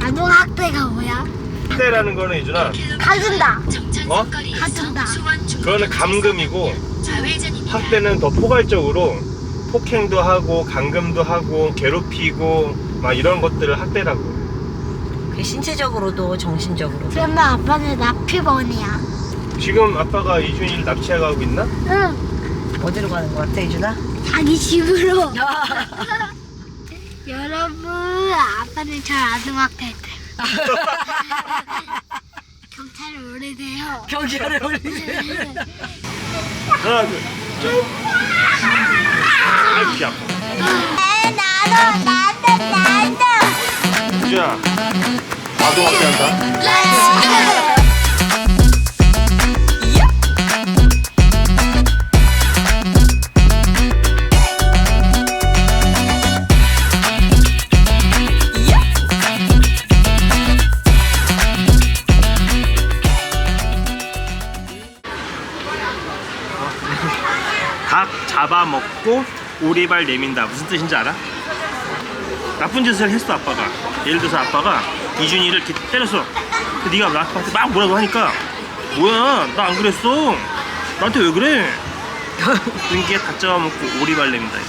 아동학대가 뭐야? 학대라는 거는 이준아, 가준다. 어? 가준다. 그거는 감금이고, 학대는 더 포괄적으로 폭행도 하고 감금도 하고 괴롭히고 막 이런 것들을 학대라고. 그 신체적으로도 정신적으로도. 그러면 아빠는 납치범이야. 지금 아빠가 이준이를 납치해가고 있나? 응. 어디로 가는 거 같아, 이준아? 자기 집으로. 여러분, 아빠는 저 아동학대했대. 경찰에 오래돼요. 경찰에 올리세요. 하나 둘 셋. 아이 귀 아파. 나도. 이준아, 아동학대한다. 닭 잡아먹고 오리발 내민다. 무슨 뜻인지 알아? 나쁜 짓을 했어 아빠가. 예를 들어서 아빠가 이준이를 이렇게 때렸어. 근데 네가 나한테 막 뭐라고 하니까 뭐야 나 안 그랬어. 나한테 왜 그래? 그게 닭 잡아먹고 오리발 내민다.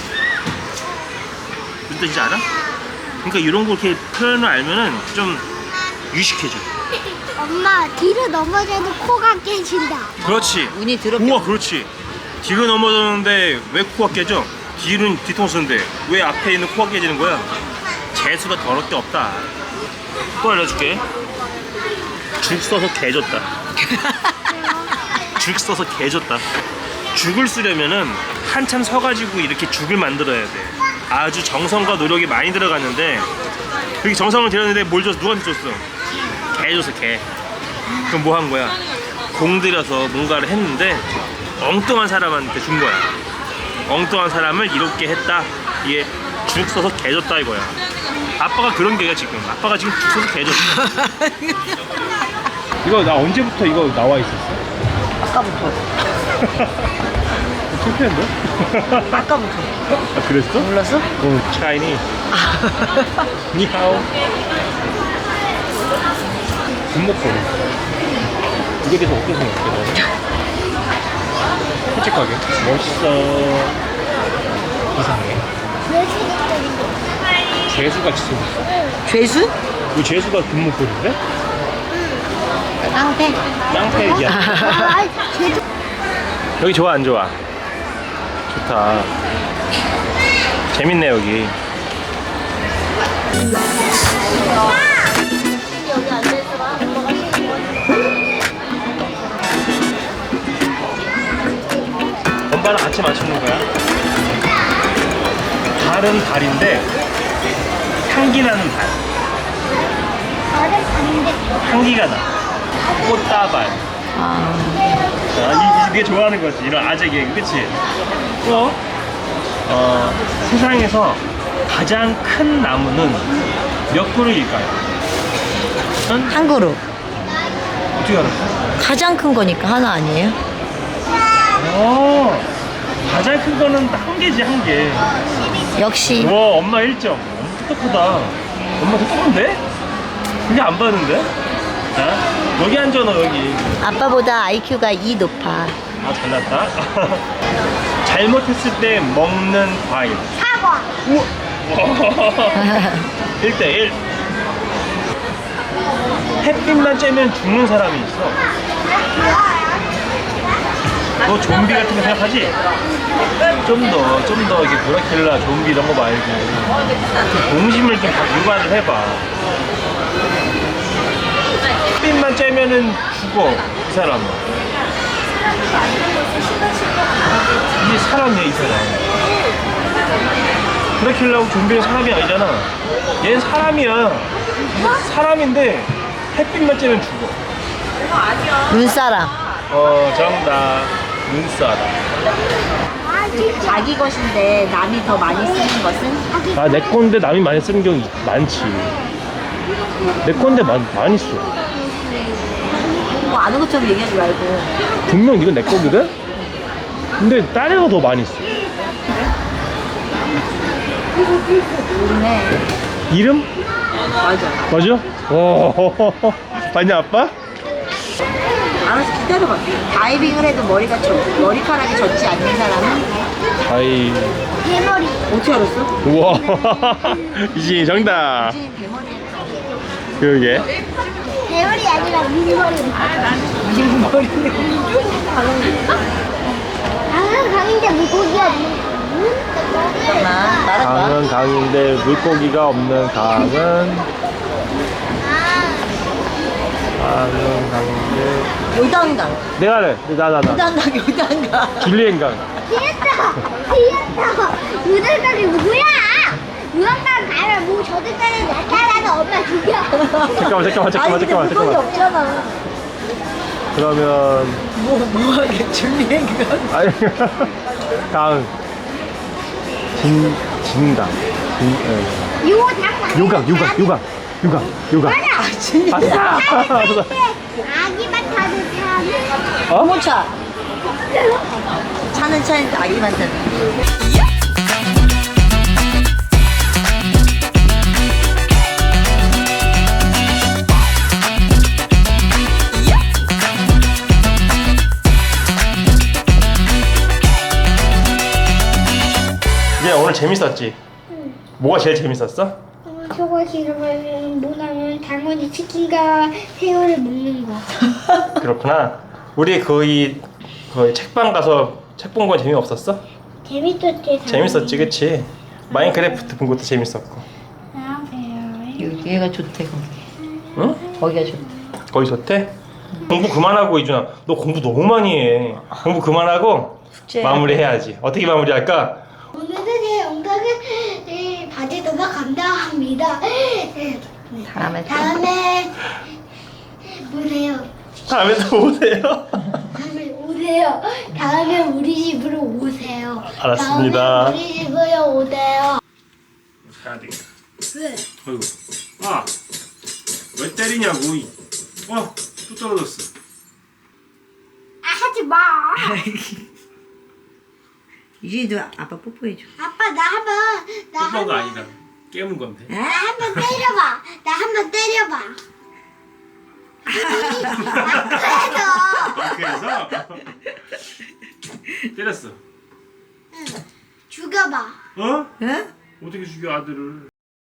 무슨 뜻인지 알아? 그러니까 이런 거 이렇게 표현을 알면은 좀 유식해져. 엄마, 뒤로 넘어져도 코가 깨진다. 그렇지. 운이 더럽게. 우와 그렇지. 뒤로 넘어졌는데 왜 코가 깨져? 뒤는 뒤통수인데 왜 앞에 있는 코가 깨지는 거야? 재수가 더럽 게 없다. 또 알려줄게. 죽 써서 개졌다. 죽 써서 개졌다. 죽을 쓰려면은 한참 서가지고 이렇게 죽을 만들어야 돼. 아주 정성과 노력이 많이 들어갔는데 그렇게 정성을 들였는데 뭘 줬어? 누구한테 줬어? 개 줬어 개. 그럼 뭐 한 거야? 공들여서 뭔가를 했는데 엉뚱한 사람한테 준 거야. 엉뚱한 사람을 이롭게 했다. 이게 죽 써서 개줬다 이거야. 아빠가 그런 게야 지금. 아빠가 지금 죽 써서 개줬어. 이거 나 언제부터 이거 나와 있었어? 아까부터. 창피한데? 아까부터. 아 그랬어? 몰랐어? 어, 차이니. 니하오. 군목걸이. 이게 대해서 어떻게 생각해? 솔직하게. 멋있어. 이상해. 재수같이 생겼어. 죄수? 이 재수가 군목걸인데? 깡패. 깡패기야. 아, 쟤도. 여기 좋아 안 좋아? 좋다. 재밌네 여기. 여기 앉아있어봐. 엄마가 엄마랑 같이 맞추는 거야. 달은 달인데 향기 나는 달. 다른 다른데. 향기가 나. 꽃다발. 이게 좋아하는 거지. 이런 아재 개그, 그치? 세상에서 가장 큰 나무는 몇 그루일까요? 한 그룹. 어떻게 알았어? 가장 큰 거니까 하나 아니에요? 가장 큰 거는 한 개지, 한 개. 역시. 와, 엄마 1점. 엄마 똑똑하다. 엄마 똑똑한데? 그게 안 봤는데? 자, 여기 앉아, 너 여기. 아빠보다 IQ가 2 높아. 아, 잘났다. 잘못했을 때 먹는 과일. 사과. 우와. 1대1. 햇빛만 쬐면 죽는 사람이 있어. 너 좀비 같은 거 생각하지? 좀 더 이게 브라킬라, 좀비 이런 거 말고 좀 동심을 좀 유발을 해봐. 햇빛만 쬐면은 죽어, 이 사람은. 이게 사람이야, 이 사람. 브라킬라하고 좀비는 사람이 아니잖아. 얘는 사람이야. 사람인데 햇빛만 쬐면 죽어. 눈사람. 정답. 눈사람. 자기 것인데 남이 더 많이 쓰는 것은? 아, 내 건데 남이 많이 쓰는 경우 많지. 내 건데 많이 써. 뭐 아는 것처럼 얘기하지 말고. 분명 이건 내 거거든? 근데 딴 애가 더 많이 써. 모르네. 이름? 맞아. 맞아? 오. 봤냐 아빠? 알아서 기다려봐. 다이빙을 해도 머리카락이 젖지 않는 사람은 아이. 대머리. 어떻게 알았어? 우와. 이진이 정답. 이진이 대머리야. 그러게. 대머리 아니라 민머리. 이진이 머리인데. 강은 강인데 물고기가 없는 잠깐만. 말해봐. 강은 강인데 물고기가 없는 강은 강인데 요단강. 내가 할래. 나. 요단강, 요단강. 줄리엔강. 피했다. 유들강이 뭐야? 유황강 가면 뭐 저들강에 나타나서 엄마 죽여. 잠깐만. 물고기 없잖아. 그러면 뭐 하게 줄리엔강. 아니 강 진강 유강 맞아. 진짜. 아싸. 아기만 타는 차는 어머차. 차는 차인데 아기만 타는. 얘 오늘 재밌었지? 뭐가 제일 재밌었어? 저거 싫으면 뭐냐면 당연히 치킨과 새우를 먹는 거. 그렇구나. 우리 거의 책방 가서 책 본 건 재미없었어? 재밌었지. 재밌었지, 그치? 마인크래프트 본 것도 재밌었고. 아 그래요. 얘가 좋대 거기. 응? 거기가 좋대. 거기 좋대? 공부 그만하고 이준아, 너 공부 너무 많이 해. 공부 그만하고 숙제 마무리해야지. 어떻게 마무리할까? 오늘은 제 영상을 봐주셔서 감사합니다. 다음에 보세요. 다음에 또 오세요. 다음에 오세요. 다음에 우리 집으로 오세요. 알았습니다. 다음에 우리 집으로 오세요. 가야 되겠다. 왜? 어이구. 아, 왜 때리냐고. 또 떨어졌어. 아 하지 마. 이진이도 아빠 뽀뽀해줘. 아빠 나 한번 아니다. 깨문 건데. 나 한번 때려봐. 나 한번 때려봐. 그래서 때렸어. 죽여봐. 어? 응? 어떻게 죽여 아들을?